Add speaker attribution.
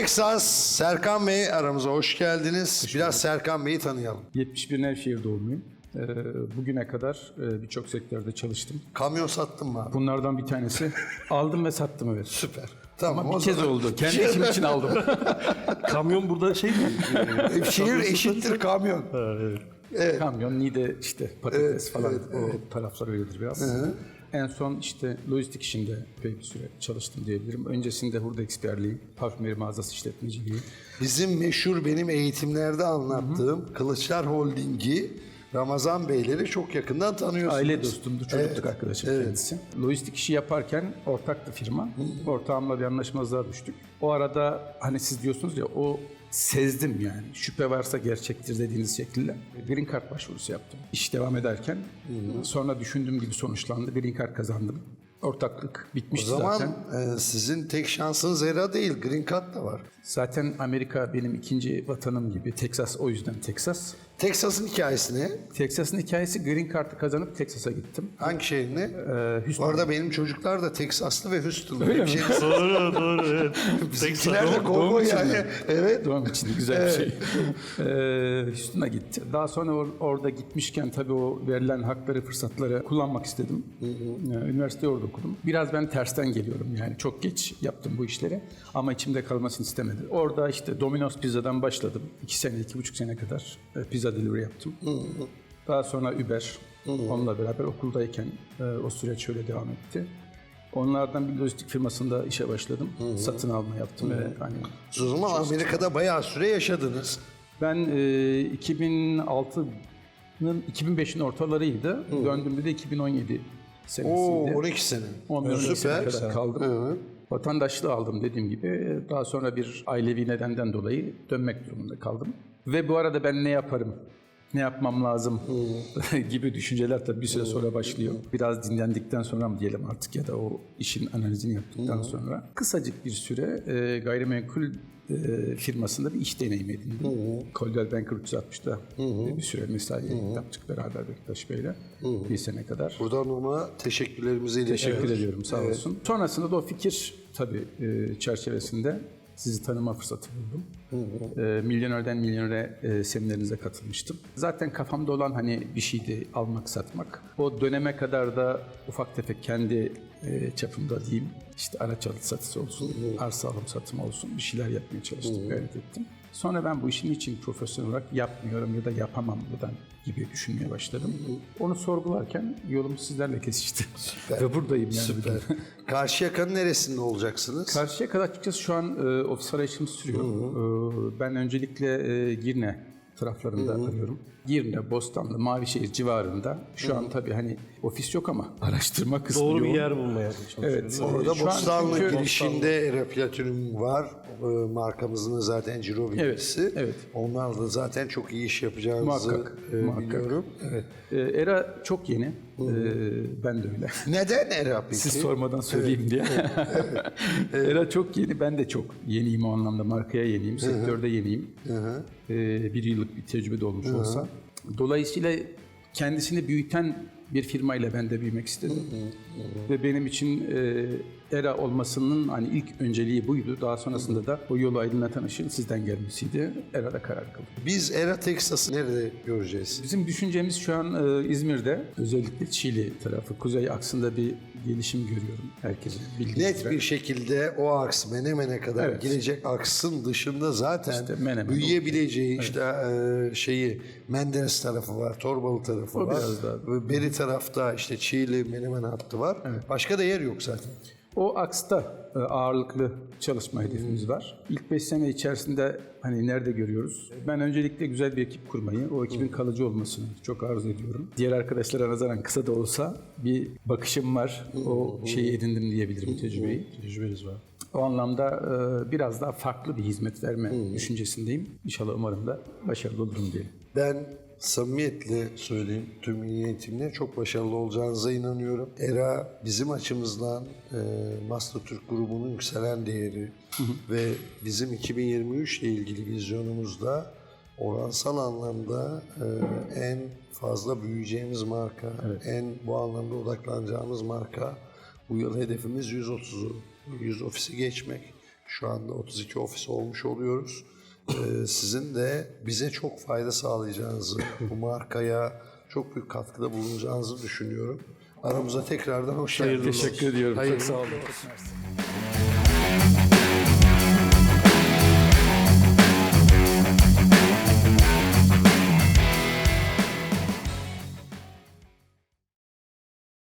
Speaker 1: Texas, Serkan Bey aramıza hoş geldiniz. Biraz Serkan Bey'i tanıyalım.
Speaker 2: 71 Nevşehir doğumluyum. Bugüne kadar birçok sektörde çalıştım.
Speaker 1: Kamyon sattın mı abi?
Speaker 2: Bunlardan bir tanesi aldım ve sattım, evet.
Speaker 1: Süper. Tamam.
Speaker 2: Ama bir kez oldu. Kendi işim için aldım.
Speaker 3: Kamyon burada şey mi?
Speaker 1: Şehir eşittir kamyon.
Speaker 2: Evet. Kamyon, Niğde işte patates falan, o taraflar öyledir biraz. En son işte lojistik işinde epey bir süre çalıştım diyebilirim. Öncesinde hurda eksperliği, parfümeri mağazası işletmeciliği.
Speaker 1: Bizim meşhur benim eğitimlerde anlattığım Kılıçlar Holding'i Ramazan Beyleri çok yakından tanıyorsunuz.
Speaker 2: Aile dostumdu, çocukluk arkadaşım kendisi. Lojistik işi yaparken ortaktı firma. Ortağımla bir anlaşmazlığa düştük. O arada hani siz diyorsunuz ya, o sezdim yani. Şüphe varsa gerçektir dediğiniz şekilde. Green Card başvurusu yaptım. İş devam ederken sonra düşündüğüm gibi sonuçlandı. Green Card kazandım. Ortaklık
Speaker 1: O
Speaker 2: bitmişti
Speaker 1: zaman
Speaker 2: zaten.
Speaker 1: sizin tek şansınız ERA değil, Green Card da var.
Speaker 2: Zaten Amerika benim ikinci vatanım gibi. Texas, o yüzden Texas.
Speaker 1: Texas'ın hikayesi ne?
Speaker 2: Texas'ın hikayesi, Green Card'ı kazanıp Texas'a gittim.
Speaker 1: Hangi şehir ne?
Speaker 2: Houston.
Speaker 1: Bu arada benim çocuklar da Teksaslı ve Houston'lı.
Speaker 2: Öyle mi?
Speaker 3: Doğru evet.
Speaker 1: Bizimkiler de kovboy yani. Evet.
Speaker 2: Doğum için güzel bir şey. Houston'a gitti. Daha sonra orada gitmişken tabii o verilen hakları, fırsatları kullanmak istedim. Üniversiteyi orada okudum. Biraz ben tersten geliyorum yani. Çok geç yaptım bu işleri ama içimde kalmasını istemedi. Orada işte Domino's Pizza'dan başladım. 2 sene, 2,5 sene kadar pizza delivery yaptım. Daha sonra Uber. Onunla beraber okuldayken o süreç şöyle devam etti. Onlardan bir lojistik firmasında işe başladım. Satın alma yaptım ve hani
Speaker 1: O zaman Amerika'da bayağı süre yaşadınız.
Speaker 2: ben 2005'in ortalarıydı. Döndüğümde de 2017 senesiydi.
Speaker 1: Oo, 12 sene.
Speaker 2: 11 sene kadar
Speaker 1: Süper.
Speaker 2: kaldım. Vatandaşlığı aldım dediğim gibi. Daha sonra bir ailevi nedenden dolayı dönmek durumunda kaldım. Ve bu arada ben ne yaparım, ne yapmam lazım gibi düşünceler tabii bir süre sonra başlıyor. Biraz dinlendikten sonra mı diyelim artık, ya da o işin analizini yaptıktan sonra. Kısacık bir süre gayrimenkul firmasında bir iş deneyimi edindim. Coldwell Banker 360'da bir süre mesai yaptık beraber Bektaş Bey'le. Bir sene kadar.
Speaker 1: Buradan ona teşekkürlerimizi iletiyoruz.
Speaker 2: Teşekkür ediyorum, sağ olsun. Sonrasında da o fikir tabii çerçevesinde sizi tanıma fırsatı buldum. Milyonerden Milyonere seminerinize katılmıştım. Zaten kafamda olan hani bir şeydi almak, satmak. O döneme kadar da ufak tefek kendi çapımda diyeyim, işte araç alım satısı olsun, arsa alım satımı olsun, bir şeyler yapmaya çalıştım, gayret ettim. Sonra ben bu işin için profesyonel olarak yapmıyorum ya da yapamam buradan gibi düşünmeye başladım. Onu sorgularken yolum sizlerle kesişti. Ve buradayım yani.
Speaker 1: Süper. Karşıyaka'nın neresinde olacaksınız?
Speaker 2: Karşıyaka açıkçası şu an ofis arayışım sürüyor. Ben öncelikle Girne taraflarında arıyorum. Girne, Bostanlı, Mavişehir civarında. Şu an tabii hani ofis yok ama araştırma kısmı
Speaker 3: Doğru bir
Speaker 2: yoğun.
Speaker 3: yer bulmaya çalışıyoruz.
Speaker 2: Evet.
Speaker 1: Orada
Speaker 2: Şu an
Speaker 1: Bostanlı
Speaker 2: çünkü-
Speaker 1: girişinde ERA Platinum var. Markamızın da zaten ciro bilgisi.
Speaker 2: evet.
Speaker 1: Onlar da zaten çok iyi iş yapacağınızı
Speaker 2: Muhakkak.
Speaker 1: biliyorum.
Speaker 2: Evet. ERA çok yeni. Ben de öyle.
Speaker 1: Neden ERA peki?
Speaker 2: Siz sormadan söyleyeyim diye. ERA çok yeni. Ben de çok yeniyim o anlamda. Markaya yeniyim. Sektörde yeniyim. Bir yıllık bir tecrübe de olmuş olsa. Dolayısıyla kendisini büyüten bir firmayla ben de büyümek istedim. Ve benim için ERA olmasının hani ilk önceliği buydu. Daha sonrasında da o yolu aydınlatan ışığın sizden gelmesiydi. ERA'da karar kıldım.
Speaker 1: Biz ERA Texas'ı nerede göreceğiz?
Speaker 2: Bizim düşüncemiz şu an İzmir'de, özellikle Çiğli tarafı, kuzey aksında bir gelişim görüyorum herkesin bildiği
Speaker 1: Net
Speaker 2: üzere.
Speaker 1: bir şekilde o aks Menemen'e kadar
Speaker 2: Evet.
Speaker 1: girecek aksın dışında zaten
Speaker 2: İşte Menemen,
Speaker 1: büyüyebileceği şeyi Menderes tarafı var, Torbalı tarafı
Speaker 2: O
Speaker 1: var.
Speaker 2: biraz daha.
Speaker 1: Ve beri tarafta işte Çiğli, Menemen hattı var. Başka da yer yok zaten.
Speaker 2: O aksta ağırlıklı çalışma hedefimiz var. İlk 5 sene içerisinde hani nerede görüyoruz? Ben öncelikle güzel bir ekip kurmayı, o ekibin kalıcı olmasını çok arzu ediyorum. Diğer arkadaşlara nazaran kısa da olsa bir bakışım var. O şeyi edindim diyebilirim, tecrübeyi.
Speaker 3: Tecrübeniz var.
Speaker 2: O anlamda biraz daha farklı bir hizmet verme düşüncesindeyim. İnşallah, umarım da başarılı olurum diyelim.
Speaker 1: Ben samimiyetle söyleyeyim, tüm niyetimle çok başarılı olacağınıza inanıyorum. ERA bizim açımızdan Master Türk grubunun yükselen değeri ve bizim 2023 ile ilgili vizyonumuzda oransal anlamda en fazla büyüyeceğimiz marka, en bu anlamda odaklanacağımız marka. Bu yıl hedefimiz 130'u, 100 ofisi geçmek. Şu anda 32 ofis olmuş oluyoruz. Sizin de bize çok fayda sağlayacağınızı, bu markaya çok büyük katkıda bulunacağınızı düşünüyorum. Aramıza tekrardan hoş geldiniz.
Speaker 2: Teşekkür ediyorum.
Speaker 1: Hayırlı
Speaker 2: Çok sağ olun.
Speaker 1: olsun.